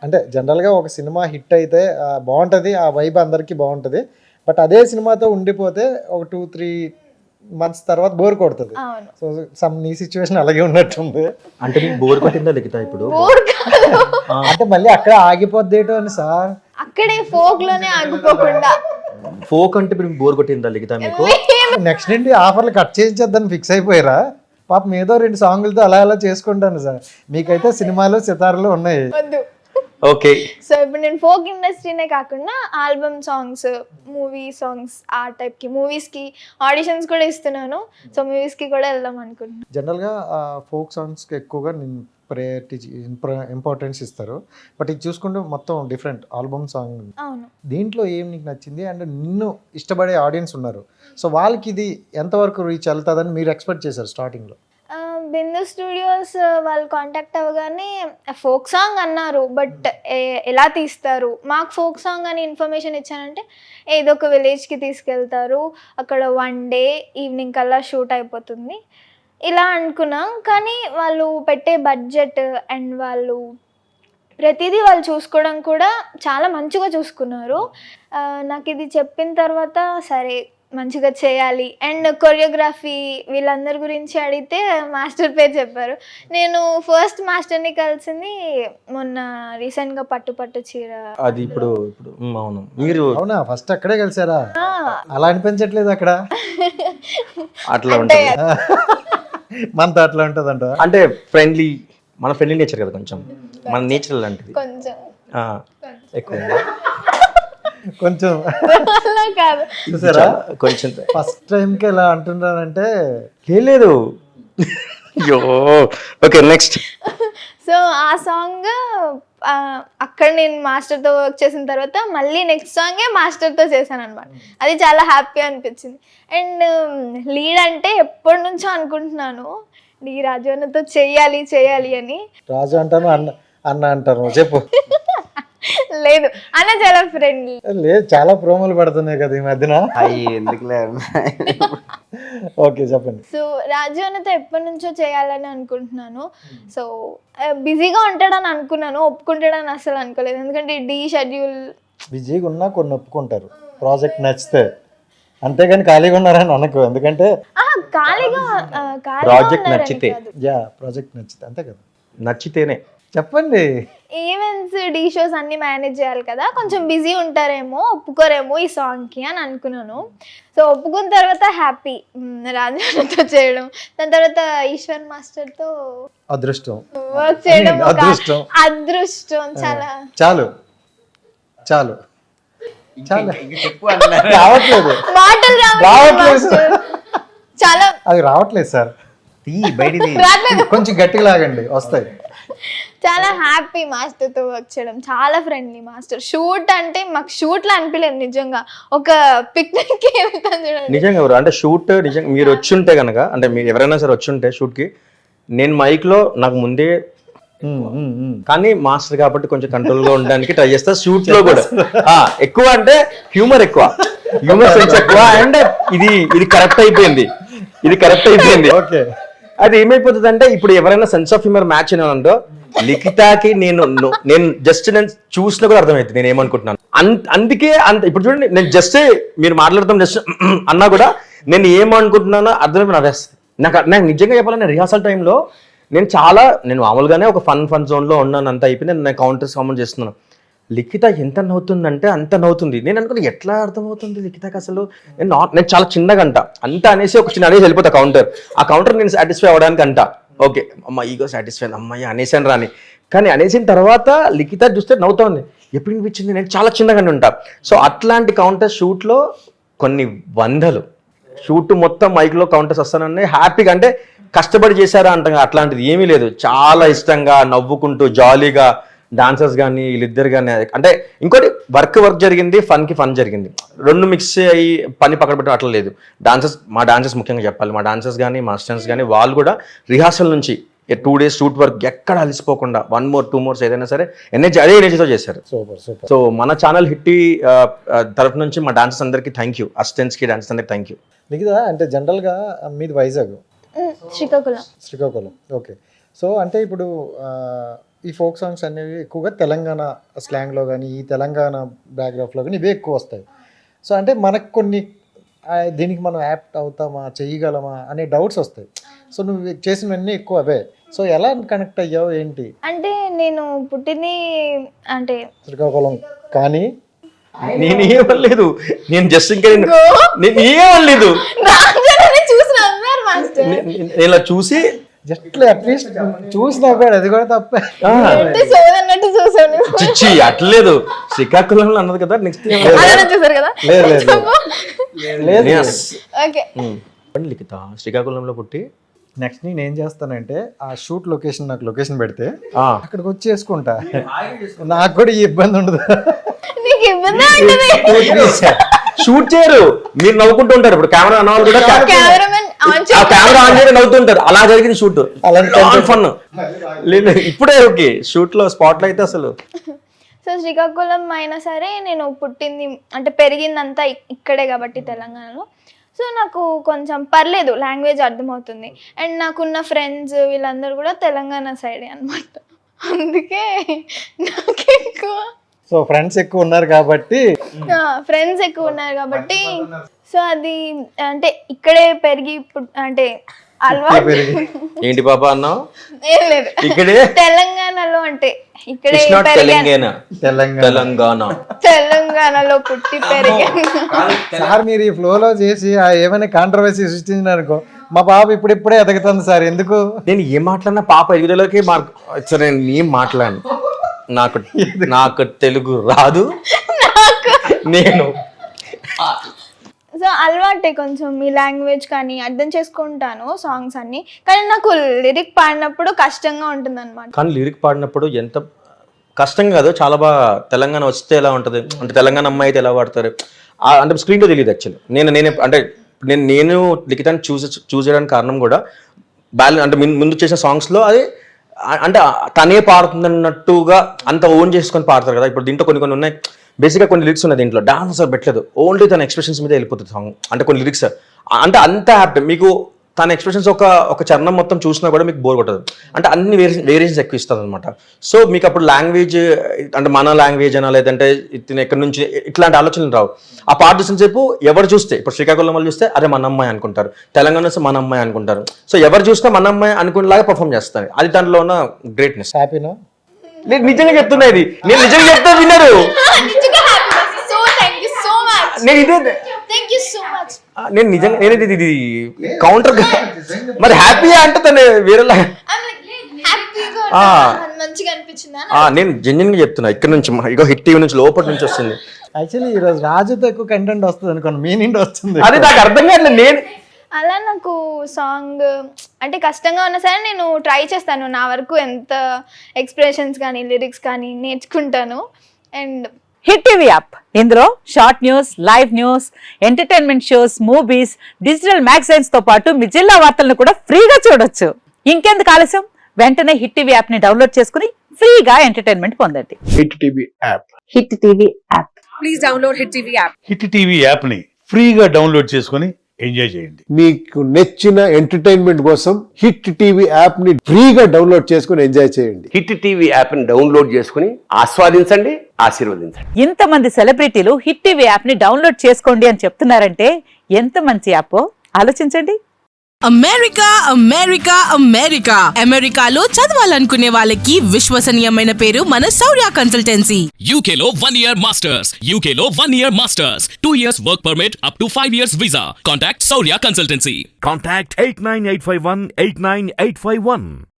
అంటే జనరల్గా ఒక సినిమా హిట్ అయితే బాగుంటుంది, ఆ వైబ్ అందరికీ బాగుంటుంది. బట్ అదే సినిమాతో ఉండిపోతే ఒక 2-3 మంత్స్ తర్వాత బోర్ కొడుతుంది. అవును. సో నీ సిచ్యువేషన్ అలాగే ఉన్నట్టుంది. అంటే మీకు బోర్ కొట్టిందా లిఖిత ఇప్పుడు? అంటే మళ్ళీ అక్కడ ఆగిపోద్దేటో అని సార్. అక్కడే ఫోక్ లోనే ఆగిపోకుండా ఫోక్ అంటే ఇప్పుడు బోర్ కొట్టిందా లిఖిత మీకు? నెక్స్ట్ నుండి ఆఫర్లు కట్ చేయించేద్దని ఫిక్స్ అయిపోయారా? పాపం ఏదో 2 సాంగులతో అలా అలా చేసుకుంటాను సార్. మీకైతే సినిమాలు సితారాలు ఉన్నాయి. వద్దు. ఓకే. సో ఇప్పుడు నేను ఫోక్ ఇండస్ట్రీనే కాకుండా ఆల్బమ్ సాంగ్స్, మూవీ సాంగ్స్, ఆ టైప్కి మూవీస్కి ఆడిషన్స్ కూడా ఇస్తున్నాను. సో మూవీస్కి కూడా వెళ్దాం అనుకుంటున్నాను. జనరల్గా ఫోక్ సాంగ్స్కి ఎక్కువగా నేను ప్రయారిటీ ఇంపార్టెన్స్ ఇస్తారు. బట్ ఇది చూసుకుంటే మొత్తం డిఫరెంట్ ఆల్బమ్ సాంగ్. అవును. దీంట్లో ఏం నీకు నచ్చింది అండ్ నిన్ను ఇష్టపడే ఆడియన్స్ ఉన్నారు, సో వాళ్ళకి ఇది ఎంతవరకు రీచ్ వెళ్తుందని మీరు ఎక్స్పెక్ట్ చేశారు స్టార్టింగ్లో? బిందు స్టూడియోస్ వాళ్ళు కాంటాక్ట్ అవ్వగానే ఫోక్ సాంగ్ అన్నారు, బట్ ఎలా తీస్తారు, మాకు ఫోక్ సాంగ్ అని ఇన్ఫర్మేషన్ ఇచ్చానంటే ఏదో ఒక విలేజ్కి తీసుకెళ్తారు, అక్కడ 1 డే ఈవినింగ్ కల్లా షూట్ అయిపోతుంది ఇలా అనుకున్నాం. కానీ వాళ్ళు పెట్టే బడ్జెట్ అండ్ వాళ్ళు ప్రతిదీ వాళ్ళు చూసుకోవడం కూడా చాలా మంచిగా చూసుకున్నారు. నాకు ఇది చెప్పిన తర్వాత సరే మంచిగా చేయాలి. అండ్ కొరియోగ్రఫీ వీళ్ళందరి గురించి అడిగితే మాస్టర్ పేరు చెప్పారు. నేను ఫస్ట్ మాస్టర్ని కలిసింది మొన్న రీసెంట్గా పట్టు చీర. అది ఇప్పుడు అవును. మీరు అవునా ఫస్ట్ అక్కడే కలిసారా? అలా అనిపించట్లేదు అక్కడ? అట్లా ఉంటుంది. మనతో అట్లా ఉంటుంది అంట. అంటే ఫ్రెండ్లీ, మన ఫ్రెండ్లీ నేచర్ కదా, కొంచెం మన నేచర్ లాంటిది కొంచెం ఎక్కువ కొంచెం కాదు. చూసారా కొంచెం ఫస్ట్ టైంకి ఎలా అంటున్నానంటే లేదు. అయ్యో ఓకే నెక్స్ట్. సో ఆ సాంగ్ అక్కడ నేను మాస్టర్తో వర్క్ చేసిన తర్వాత మళ్ళీ నెక్స్ట్ సాంగే మాస్టర్తో చేశాను అనమాట. అది చాలా హ్యాపీ అనిపించింది. అండ్ లీడ్ అంటే ఎప్పటి నుంచో అనుకుంటున్నాను, డి రాజు అన్నతో చేయాలి అని. రాజు అంటాను, అన్న అంటాను, చెప్పు. లేదు అన్న చాలా ఫ్రెండ్లీ. లేదు చాలా ప్రోమోలు పడుతున్నాయి కదా ఈ మధ్యన. ఎందుకులే. ఓకే చెప్పండి. సో రాజు అన్నతో ఎప్పటి నుంచో చేయాలని అనుకుంటున్నాను. సో బిజీగా ఉంటాడని అనుకున్నాను, ఒప్పుకుంటాడని అసలు అనుకోలేదు. ఎందుకంటే డి షెడ్యూల్ బిజీగా ఉన్నా కొన్ని ఒప్పుకుంటారు ప్రాజెక్ట్ నచ్చితే, అంతేగాని ఖాళీగా ఉన్నారని అనకు. ఎందుకంటే ఖాళీగా ప్రాజెక్ట్ నచ్చితే, ప్రాజెక్ట్ నచ్చితే అంతే కదా. నచ్చితేనే చెప్పండి. ఈవెంట్స్ డీ షోస్ అన్ని మేనేజ్ చేయాలి కదా, కొంచెం బిజీ ఉంటారేమో, ఒప్పుకోరేమో ఈ సాంగ్కి అని అనుకున్నాను. సో ఒప్పుకున్న తర్వాత హ్యాపీ రాజాతో చేయడం, దాని తర్వాత ఈశ్వర్ మాస్టర్తో అదృష్టం వర్క్ చేయడం అదృష్టం. చాలు రావట్లేదు మాటలు రావట్లేదు, చాలా అది రావట్లేదు సార్. కొంచెం గట్టిగా లాగండి వస్తాయి. చాలా హ్యాపీ మాస్టర్తో వర్క్ చేయడం, చాలా ఫ్రెండ్లీ మాస్టర్. షూట్ అంటే మాకు షూట్లో అనిపించలేదు, నిజంగా ఒక పిక్నిక్కి వెళ్తాను చూడండి. నిజంగా ఎవరు అంటే షూట్ నిజంగా మీరు వచ్చి ఉంటే కనుక, అంటే మీరు ఎవరైనా సరే వచ్చి ఉంటే షూట్కి, నేను మైక్లో నాకు ముందే, కానీ మాస్టర్ కాబట్టి కొంచెం కంట్రోల్గా ఉండడానికి ట్రై చేస్తా. షూట్లో కూడా ఎక్కువ అంటే హ్యూమర్ సెన్స్ ఎక్కువ. అండ్ ఇది కరెక్ట్ అయిపోయింది. ఓకే. అది ఏమైపోతుంది అంటే ఇప్పుడు ఎవరైనా సెన్స్ ఆఫ్ హ్యూమర్ మ్యాచ్ అయినానంటో లిఖితాకి నేను జస్ట్ నేను చూసినా కూడా అర్థమవుతుంది నేను ఏమనుకుంటున్నాను. అందుకే ఇప్పుడు చూడండి, నేను జస్ట్ మీరు మాట్లాడతాం జస్ట్ అన్నా కూడా నేను ఏమనుకుంటున్నానో అర్థమైపోయి నవ్వేస్తుంది. నాకు నిజంగా చెప్పాలంటే రిహార్సల్ టైంలో నేను మామూలుగానే ఒక ఫన్ జోన్లో ఉన్నాను, అంత అయిపోయింది. నేను కౌంటర్స్ కామెంట్ చేస్తున్నాను. లిఖిత ఎంత నవ్వుతుందంటే అంత నవ్వుతుంది. నేను అనుకున్నా ఎట్లా అర్థమవుతుంది లిఖితకి అసలు. నేను చాలా చిన్నగా అంత అనేసి ఒక చిన్న అనేసి వెళ్ళిపోతా కౌంటర్. ఆ కౌంటర్ నేను సాటిస్ఫై అవ్వడానికి ఓకే అమ్మ ఈగో సాటిస్ఫై అమ్మాయి అనేసాను రాని. కానీ అనేసిన తర్వాత లిఖిత చూస్తే నవ్వుతా ఉంది. ఎప్పుడు అనిపించింది నేను చాలా చిన్నగానే ఉంటా. సో అట్లాంటి కౌంటర్ షూట్లో కొన్ని వందలు షూట్ మొత్తం మైక్లో కౌంటర్స్ వస్తానని హ్యాపీగా, అంటే కష్టపడి చేశారా అంటాం, అట్లాంటిది ఏమీ లేదు. చాలా ఇష్టంగా నవ్వుకుంటూ జాలీగా డాన్సర్స్ కానీ వీళ్ళిద్దరు కానీ. అంటే ఇంకోటి వర్క్ జరిగింది, ఫన్ జరిగింది, రెండు మిక్స్ అయ్యి పని పక్కన పెట్టడం అట్లా లేదు. మా డాన్సర్స్ ముఖ్యంగా చెప్పాలి, మా డాన్సర్స్ కానీ మా స్టూడెంట్స్ కానీ వాళ్ళు కూడా రిహార్సల్ నుంచి 2 days షూట్ వర్క్ ఎక్కడ అలసిపోకుండా 1 more 2 more ఏదైనా సరే అదే ఎనర్జీతో చేశారు. సో మన ఛానల్ హిట్టి తరఫు నుంచి మా డాన్సర్స్ అందరికీ థ్యాంక్ యూ, అసిస్టెంట్స్కి డాన్సర్స్ అందరికీ థ్యాంక్ యూ. మిగతా అంటే జనరల్గా మీది వైజాగ్, శ్రీకాకుళం. ఓకే. సో అంటే ఇప్పుడు ఈ ఫోక్ సాంగ్స్ అనేవి ఎక్కువగా తెలంగాణ స్లాంగ్లో కానీ ఈ తెలంగాణ బ్యాక్గ్రాఫ్లో కానీ ఇవే ఎక్కువ వస్తాయి. సో అంటే మనకు కొన్ని దీనికి మనం యాప్ట్ అవుతామా, చేయగలమా అనే డౌట్స్ వస్తాయి. సో నువ్వు చేసినవన్నీ ఎక్కువ అవే. సో ఎలా కనెక్ట్ అయ్యావు ఏంటి? అంటే నేను పుట్టింది అంటే శ్రీకాకుళం కానీ నేను ఏమనలేదు, నేను జస్ట్ ఇంకా నేను ఏమనలేదు, చూసి నవ్వారు మాస్టర్. నేను ఇలా చూసి జస్ట్ అట్లీస్ట్ చూసినా కూడా అది కూడా తప్పే. సోదన్నట్టు చూసాను. చిచ్చి అట్లేదు, శ్రీకాకుళంలో అన్నది కదా. నెక్స్ట్ చూసారు కదా. లేదు ఓకే లిఖిత శ్రీకాకుళంలో పుట్టి నెక్స్ట్ నేను ఏం చేస్తానంటే ఆ షూట్ లొకేషన్ నాకు లొకేషన్ పెడితే అక్కడికి వచ్చి చేసుకుంటా, నాకు కూడా ఈ ఇబ్బంది ఉండదు. నీకు ఇబ్బంది ఉంటుంది. షూట్ చేయరు, మీరు నవ్వుకుంటూ ఉంటారు. ఇప్పుడు కెమెరా అన్నవాళ్ళు కూడా కెమెరామెన్ ఆన్ కెమెరా ఆన్ చేయడం నవ్వుతుంటారు. అలా జరిగింది షూట్, అలాంటి ఫన్ లేదు. ఇప్పుడే ఓకే, షూట్ లో స్పాట్ లో అయితే అసలు. సో శ్రీకాకుళం అయినా సరే నేను పుట్టింది అంటే పెరిగిందంతా ఇక్కడే కాబట్టి తెలంగాణలో. సో నాకు కొంచెం పర్లేదు, లాంగ్వేజ్ అర్థమవుతుంది. అండ్ నాకున్న ఫ్రెండ్స్ వీళ్ళందరూ కూడా తెలంగాణ సైడే అనమాట. అందుకే నాకు ఎక్కువ సో ఫ్రెండ్స్ ఎక్కువ ఉన్నారు కాబట్టి సో అది అంటే ఇక్కడే పెరిగి అంటే అలవాటు. ఏంటి పాప అన్నావు? ఏం లేదు, ఇక్కడే తెలంగాణలో అంటే ఇక్కడే తెలంగాణలో పుట్టి పెరిగాను. సార్ మీరు ఈ ఫ్లోలో చేసి ఏమైనా కాంట్రవర్సీ సృష్టించినారనుకో, మా పాప ఇప్పుడిప్పుడే ఎదుగుతుంది సార్. ఎందుకు నేను ఏం మాట్లాడినా పాప ఎదుగుదలకి సరే నేను ఏం మాట్లాడను. నాకు తెలుగు రాదు. నేను సో అలవాటే కొంచెం ఈ లాంగ్వేజ్ కానీ అర్థం చేసుకుంటాను సాంగ్స్ అన్ని. కానీ నాకు లిరిక్ పాడినప్పుడు కష్టంగా ఉంటుంది అనమాట. కానీ లిరిక్ పాడినప్పుడు ఎంత కష్టంగా కాదు, చాలా బాగా తెలంగాణ వస్తే ఎలా ఉంటుంది అంటే తెలంగాణ అమ్మాయి అయితే ఎలా పాడతారు అంటే స్క్రీన్లో తెలియదు యాక్చువల్లీ. నేను అంటే నేను లిఖితాన్ని చూస్ చేయడానికి కారణం కూడా అంటే ముందు చేసిన సాంగ్స్లో అది అంటే తనే పాడుతుందన్నట్టుగా అంత ఓన్ చేసుకొని పాడతారు కదా. ఇప్పుడు దీంట్లో కొన్ని ఉన్నాయి, బేసిక్గా కొన్ని లిరిక్స్ ఉన్నాయి దీంట్లో, డాన్స్ అసలు పెట్టలేదు, ఓన్లీ తన ఎక్స్ప్రెషన్స్ మీద వెళ్ళిపోతుంది సాంగ్. అంటే కొన్ని లిరిక్స్ అంటే అంత హ్యాపీ, మీకు తన ఎక్స్ప్రెషన్స్ ఒక చరణం మొత్తం చూసినా కూడా మీకు బోర్ కొట్టదు. అంటే అన్ని వేరియేషన్స్ ఎక్కువ ఇస్తుంది అనమాట. సో మీకు అప్పుడు లాంగ్వేజ్ అంటే మన లాంగ్వేజ్ అనా లేదంటే ఇతను ఎక్కడి నుంచి ఇట్లాంటి ఆలోచనలు రావు. ఆ పాట చూసినసేపు ఎవరు చూస్తే, ఇప్పుడు శ్రీకాకుళం వాళ్ళు చూస్తే అదే మన అమ్మాయి అనుకుంటారు, తెలంగాణ వస్తే మన అమ్మాయి అనుకుంటారు. సో ఎవరు చూసినా మన అమ్మాయి అనుకునేలాగా పర్ఫామ్ చేస్తారు. అది దాంట్లో ఉన్న గ్రేట్నెస్. హ్యాపీనా? నేను నిజంగా చెప్తున్నా, ఇది నేను నిజంగా చెప్తా విన్నారు. నేను ఇదే నేను నిజంగా నేను ఇది కౌంటర్ మరి హ్యాపీ అంటే తను వేరేలా. నేను జెన్యున్ గా చెప్తున్నా, ఇక్కడ నుంచి ఇగో హిట్ టీవీ నుంచి లోపల నుంచి వస్తుంది. యాక్చువల్లీ ఈరోజు రాజుతో ఎక్కువ కంటెంట్ వస్తుంది అనుకోండి, మీ నుండి వస్తుంది. అది నాకు అర్థం కాదు. నేను అలా నాకు సాంగ్ అంటే కష్టంగా ఉన్నా సరే నేను ట్రై చేస్తాను. నా వరకు ఎంత ఎక్స్ప్రెషన్స్ కానీ లిరిక్స్ కానీ నేర్చుకుంటాను. అండ్ హిట్ టీవీ యాప్, ఇందులో short news, live news, entertainment shows, movies, digital magazines తో పాటు మీ జిల్లా వార్తలను కూడా ఫ్రీగా చూడొచ్చు. ఇంకెందుకు ఆలస్యం, వెంటనే హిట్ టీవీ యాప్ ని డౌన్లోడ్ చేసుకుని ఫ్రీగా ఎంటర్టైన్మెంట్ పొందండి. Hit TV app. Hit TV app. Please download hit TV app. Hit TV app ని ఫ్రీగా డౌన్లోడ్ చేసుకొని ఎంజాయ్ చేయండి. మీకు నచ్చిన ఎంటర్టైన్మెంట్ కోసం హిట్ టీవీ యాప్ ని ఫ్రీగా డౌన్లోడ్ చేసుకుని ఎంజాయ్ చేయండి. హిట్ టీవీ యాప్ ని డౌన్లోడ్ చేసుకుని ఆస్వాదించండి, ఆశీర్వదించండి. ఇంతమంది సెలబ్రిటీలు హిట్ టీవీ యాప్ ని డౌన్లోడ్ చేసుకోండి అని చెప్తున్నారంటే ఎంత మంచి యాప్ ఆలోచించండి. అమెరికా అమెరికా అమెరికా అమెరికాలో చదవాలనుకునే వాళ్ళకి విశ్వసనీయమైన పేరు మన శౌర్య కన్సల్టెన్సీ. UK లో 1 year masters. UK లో 1 year masters. 2 years work permit up to 5 years visa. Contact Saurya Consultancy. Contact 89851 89851.